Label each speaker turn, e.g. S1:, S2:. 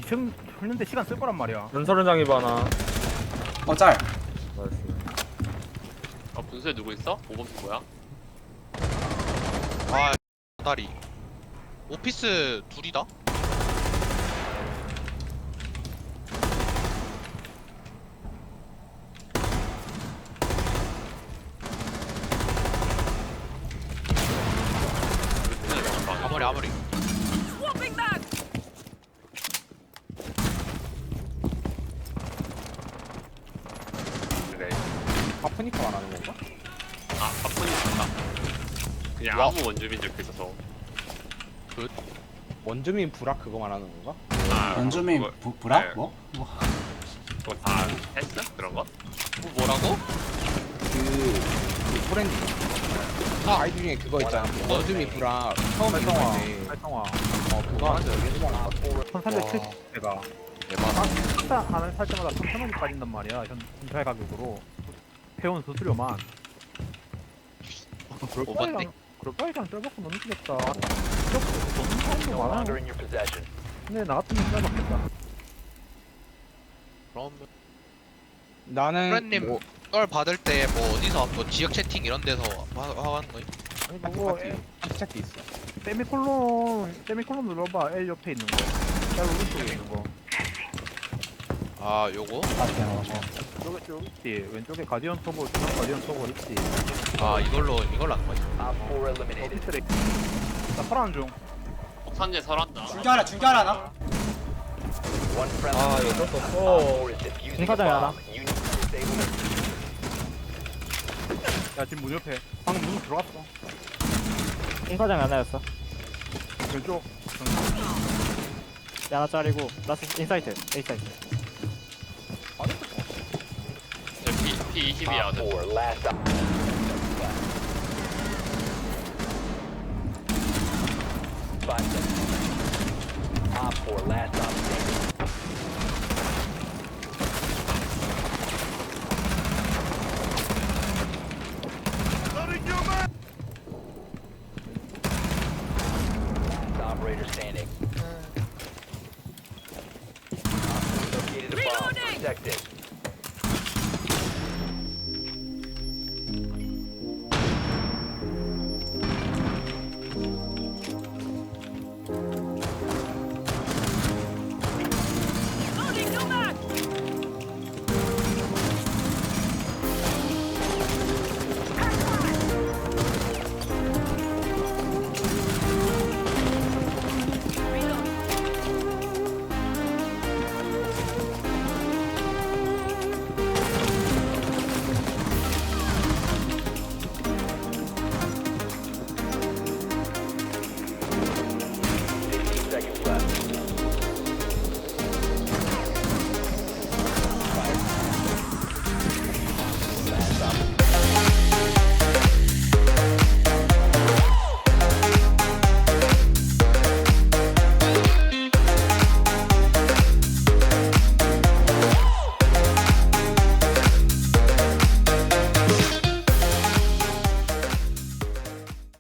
S1: 2층 했는데 시간 쓸 거란 말이야.
S2: 전설은장이 바나.
S3: 짤.
S2: 나이스.
S4: 분수에 누구 있어? 5번 뭐야?
S5: 아 다리 오피스 둘이다? 아무리
S4: 그래.
S2: 아프니까 말하는 건가?
S4: 아 바쁜이 있다. 그냥
S5: 와.
S4: 아무 원주민 적혀 있어서.
S2: 원주민 불악 그거 말하는 건가?
S4: 아,
S3: 원주민
S4: 그거-
S3: 브라?
S4: 네.
S3: 뭐?
S4: 그거 다 했어? 그런 거?
S5: 뭐라고?
S2: 그 포렌디. 아이디 중에 그거 있잖아. 원주민 불악 처음
S1: 활성화.
S2: 있는데.
S1: 활성화.
S2: 그거 하는데 여기 해본 거.
S1: 1370대가 식사 하나 살 때마다 3,000원이 빠진단 말이야. 현찰 가격으로. 회원 수수료만.
S5: 오반데?
S1: 그럴 바에 그냥 쩔먹고 너무 쓰겠다. 너무 사람도 많아. 근데 나 같으면 쩔먹겠다.
S5: 그럼
S2: 나는
S5: 프렌님
S2: 뭐,
S5: 썰 받을 때 뭐 어디서 뭐 지역 채팅 이런 데서 하는 거임?
S1: 아니
S2: 그거
S1: 그거
S2: 한체크 있어.
S1: 세미콜론 눌러봐. L 옆에 있는 거. L 오른쪽에 있는 거.
S5: 아 요거?
S1: 저기 있지. 왼쪽에 가디언 터보, 중앙 가디언 터보 있지.
S5: 아 이걸로 하는 거임?
S1: 오피스레. 나 파란 중.
S4: 폭탄제 설한다.
S3: 중결하나 나?
S2: 아 이거 어쩔 수 없어.
S1: 공사장에 하나. 야 지금 문 옆에. 방금 문 들어왔어.
S6: 공사장이 하나였어.
S1: 왼쪽.
S6: 하나짜리고 라스 인사이트 A 사이트.
S4: 저 P20이야.
S7: Operator standing. Located a bomb. Protect it.